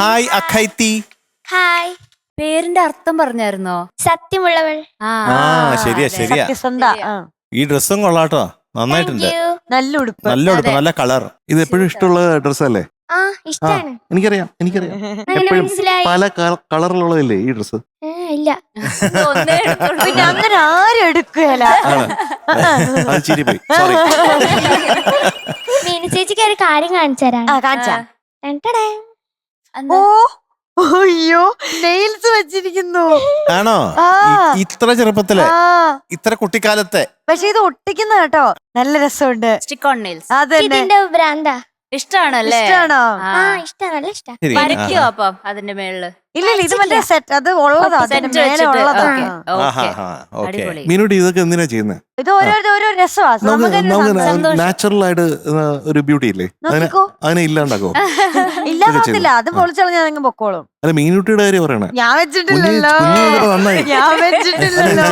Hi അഖൈത്തി. Hi. പേരിന്റെ അർത്ഥം പറഞ്ഞായിരുന്നോ? സത്യമുള്ളവൾ. ശരിയാ ശരിയാ. ഈ ഡ്രസ്സും കൊള്ളാട്ടോ, നന്നായിട്ടുണ്ട്. നല്ല ഉടുപ്പ്, നല്ല ഉടുപ്പ്, നല്ല കളർ. ഇത് എപ്പോഴും ഇഷ്ടമുള്ള ഡ്രസ്സല്ലേ? ഇഷ്ടാണ്. എനിക്കറിയാം എപ്പോഴും പല കളറിലുള്ളതല്ലേ ഈ ഡ്രസ്സ്? ഇല്ല, പിന്നെ അങ്ങനെ ആരും എടുക്കുകയല്ല. മീനു ചേച്ചിക്ക് ഒരു കാര്യം കാണിച്ചു തരാം. കാണിച്ചാ? ഓ അയ്യോ, നെയിൽസ് വെച്ചിരിക്കുന്നു. ആണോ? ഇത്ര ചെറുപ്പത്തിലെ, ഇത്ര കുട്ടിക്കാലത്തെ. പക്ഷെ ഇത് ഒട്ടിക്കുന്ന കേട്ടോ, നല്ല രസമുണ്ട്. Stick on nails. ഇതിന്റെ ഭ്രാന്താ. ഇഷ്ടാണല്ലേ? ഇഷ്ടാണോ? ഇഷ്ടം, നല്ല ഇഷ്ടം. വരയ്ക്കോ അപ്പം അതിന്റെ മേളില്? ഇല്ല, ഇത് മറ്റേ സെറ്റ്, അത് ഉള്ളതാ, അതിന്റെ മേലെ ഉള്ളതാ. മീനുട്ടി ഇതൊക്കെ എന്തിനാ ചെയ്യുന്നത്? ഇത് ഓരോ രസമാണ്. നമുക്ക് നാച്ചുറൽ ആയിട്ട് ഒരു ബ്യൂട്ടി ഇല്ലേ, അതിനെ ഇല്ലാണ്ടാക്കോ? ഇല്ലാതില്ല, അത് പൊളിച്ചളഞ്ഞാൽ നിങ്ങൾ പൊക്കോളും. അല്ല, മീനുട്ടിയുടെ കാര്യം പറയണേ. ഞാൻ വെച്ചിട്ടില്ലല്ലോ, നന്നായി. ഞാൻ വെച്ചിട്ടില്ലല്ലോ.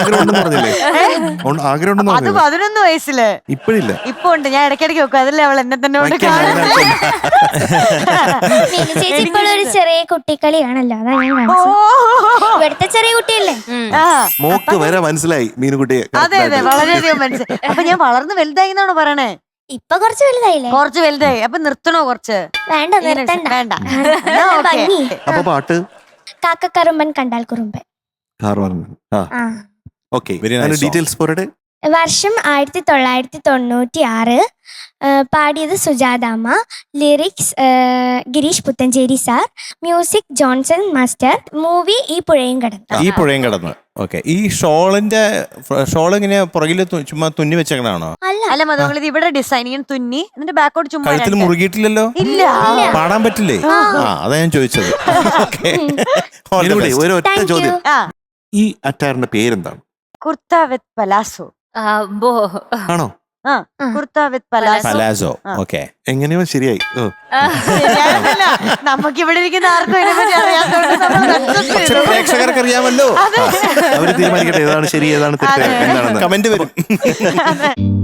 ആഗ്രഹം അത് 11 വയസ്സില്. ഇപ്പഴില്ല, ഇപ്പൊ ഉണ്ട്. ഞാൻ ഇടയ്ക്കിടയ്ക്ക് വെക്കും, അതല്ലേ അവൾ എന്നെ തന്നെ കൊണ്ട് മീനു ചേച്ചി ഇപ്പോൾ ഒരു ചെറിയ കുട്ടിക്കളിയാണല്ലോ, അതാ ഞാൻ ഇവിടുത്തെ ചെറിയ കുട്ടിയല്ലേ. മോക്ക് വരെ മനസ്സിലായി മീനുകുട്ടിയെ. അതെ അതെ, വളരെയധികം മനസ്സിലായി. അപ്പൊ ഞാൻ വളർന്ന് വലുതായി എന്നാണോ പറയണേ? ഇപ്പൊ കുറച്ച് വലുതായില്ലേ? കുറച്ച് വലുതായി. അപ്പൊ നിർത്തണോ? കുറച്ച് വേണ്ട, നിർത്തണ്ട. വേണ്ട. അപ്പൊ പാട്ട് കാക്കക്കറുമ്പൻ കണ്ടാൽ കുറുമ്പൻ. ഡീറ്റെയിൽസ് പോരട്ടെ. വർഷം 1996. പാടിയത് സുജാതാമ്മ. Lyrics Gireesh Puthenchery sir. Music Johnson master. Movie ഈ പുഴയും കടന്ന്. ഓക്കെ. ഈ ഷോൾ ഇങ്ങനെ പുറകില് ചുമ്മാ തുന്നി വെച്ചേക്കണാണോ? അല്ല മതങ്ങൾ, ഇത് ഇവിടെ ഡിസൈൻ ഇങ്ങനെ തുന്നി എന്നിട്ട് ബാക്കോട്ട് ചുമ്മാ. കഴുത്തിൽ മുറുകിയിട്ടില്ലല്ലോ? ഇല്ല. പാടാൻ പറ്റില്ലേ? അതാ ഞാൻ ചോദിച്ചത്. ഒരു ഒറ്റ ചോദ്യം, ഈ അറ്റാറിന്റെ പേരെന്താണ്? കുർത്ത വിത്ത് പലാസോ ആണോ? കുർത്ത വിത്ത് പലാസോ. ഓക്കെ, എങ്ങനെയോ ശരിയായി. നമുക്ക് ഇവിടെ ഇരിക്കുന്ന ആർക്കും പ്രേക്ഷകർക്ക് അറിയാമല്ലോ. അവര് തീരുമാനിക്കട്ടെ ഏതാണ് ശരി, ഏതാണ് തെറ്റ്, എന്താണെന്ന്. കമന്റ് വരും.